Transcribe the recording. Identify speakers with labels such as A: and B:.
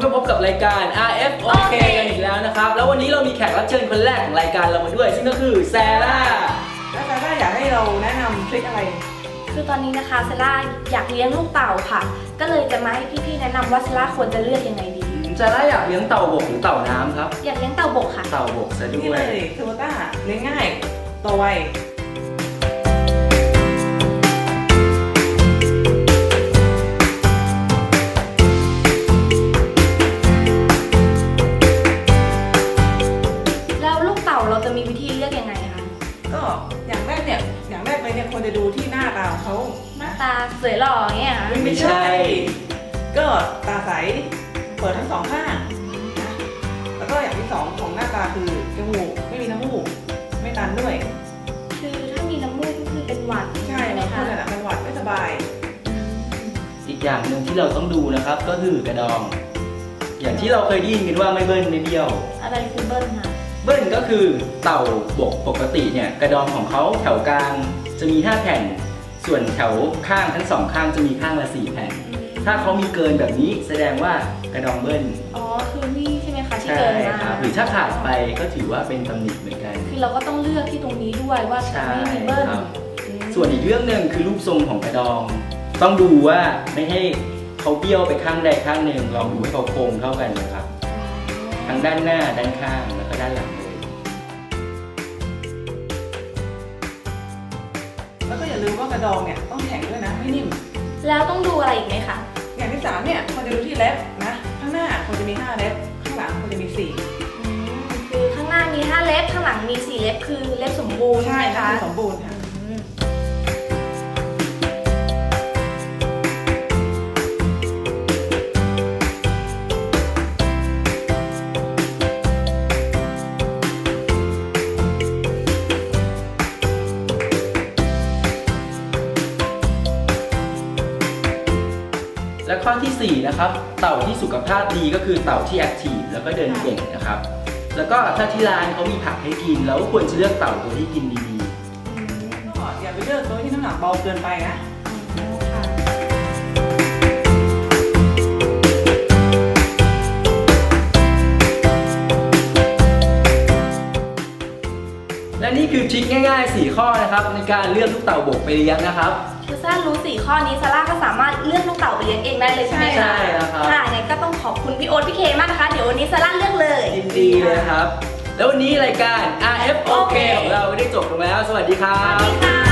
A: ก็พบกับรายการ RFOK กันอีกแล้วนะครับแล้ววันนี้เรามีแขกรับเชิญคนแรกของรายการเรามาด้วยซึ่งก็คือแซร่า
B: แล้วแซร่าอยากให้เราแนะนำทริคอะไร
C: คือตอนนี้นะคะเซล่าอยากเลี้ยงลูกเต่าค่ะก็เลยจะมาให้พี่ๆแนะนำว่าเซล่าควรจะเลือกยังไงดี
A: แซร่าอยากเลี้ยงเต่าบกหรือเต่าน้ำครับ
C: อยากเลี้ยงเต่าบกค่ะ
A: เต่าบกซะด้
B: นี่
A: ว
B: เลย ยโตโยต้าเลี้ยงง่ายโตไว
C: แล้วลูกเต่าเราจะมีวิธีเลือกยังไงคะ
B: ก็อย่างแรกเลยเนี่ยควรจะดูที่หน้าตาของเขา
C: หน้าตาสวยหล่อเงี้ยค่ะ
A: ไม่ใช่
B: ก็ตาใสเปิดทั้งสองข้างนะแล้วก็อย่างที่สองของหน้าตาคือจมูกไม่มีน้ำมูกไม่ตันด้วย
C: คือถ้ามีน้ำมูกก็คือเป็นหวัด
B: ใช่
C: ไหม
B: บางค
C: คะ
B: นน่ะเป็นหวัดไม่สบาย
A: อีกอย่างหนึ่งที่เราต้องดูนะครับก็คือกระดองอย่างที่เราเคยได้ยินกันว่าไม่เบิ้ลไม่เบี้ยว
C: อะไรคือเบิ้ลคะ
A: เบิ้ลก็คือเต่าบกปกติเนี่ยกระดองของเขาแถวกลางจะมี5แผ่นส่วนแถวข้างทั้ง2ข้างจะมีข้างละ4แผ่นถ้าเขามีเกินแบบนี้แสดงว่ากระดองเบิ้ล
C: อ๋อคือนี่ใช่ไหมคะที่
A: ใช่
C: เกินมา
A: ครับหรือถ้าขาดไปก็ถือว่าเป็นตำหนิเหมือนกัน
C: คือเราก็ต้องเลือกที่ตรงนี้ด้วยว่าจะไม่มีเบิ้ล
A: ส่วนอีกเรื่องหนึ่งคือรูปทรงของกระดองต้องดูว่าไม่ให้เขาเบี้ยวไปข้างใดข้างหนึ่งลองดูให้เขาโค้งเท่ากันนะครับทั้งด้านหน้าด้านข้างแล้วก็ด้านหลังเลย
B: แล้วก็อย่าลืมว่ากระดองเนี่ยต้องแข็งด้วยนะไม่นิ่ม
C: แล้วต้องดูอะไรอีกไหมคะ
B: อย่างที่3เนี่ยควรจะดูที่เล็บนะข้างหน้าควรจะมี5เล็บข้างหลังควรจะมี4
C: คือข้างหน้ามี5เล็บข้างหลังมี4เล็บคือเล็บสมบูรณ์
B: ใช่
C: ไหมคะ
B: สมบูรณ์ค่ะ
A: และข้อที่4นะครับเต่าที่สุขภาพดีก็คือเต่าที่แอคทีฟแล้วก็เดินเก่งนะครับแล้วก็ถ้าที่ร้านเขามีผักให้กินแล้วควรจะเลือกเต่าตัวที่กินดี
B: ก็อย่าไปเลือกตัวที่น้ำหนักเบาเกินไปนะ
A: และนี่คือทริคง่ายๆ4ข้อนะครับในการเลือกลูกเต่าบกไปเลี้ยงนะครับ
C: คือซาร่ารู้4ข้อนี้ซาร่าก็สามารถเลือกลูกเต่าไปเลี้ยงเองได้เลยใช่ไหมคะ
A: ใช่แล้วครับ
C: ค่ะงั้นก็ต้องขอบคุณพี่โอ๊ตพี่เคมากนะคะเดี๋ยววันนี้ซาร่าเลือกเลย
A: ยินดีเลยครับแล้ววันนี้รายการ RFOK ของเราได้จบลงแล้วสวัสดีครับ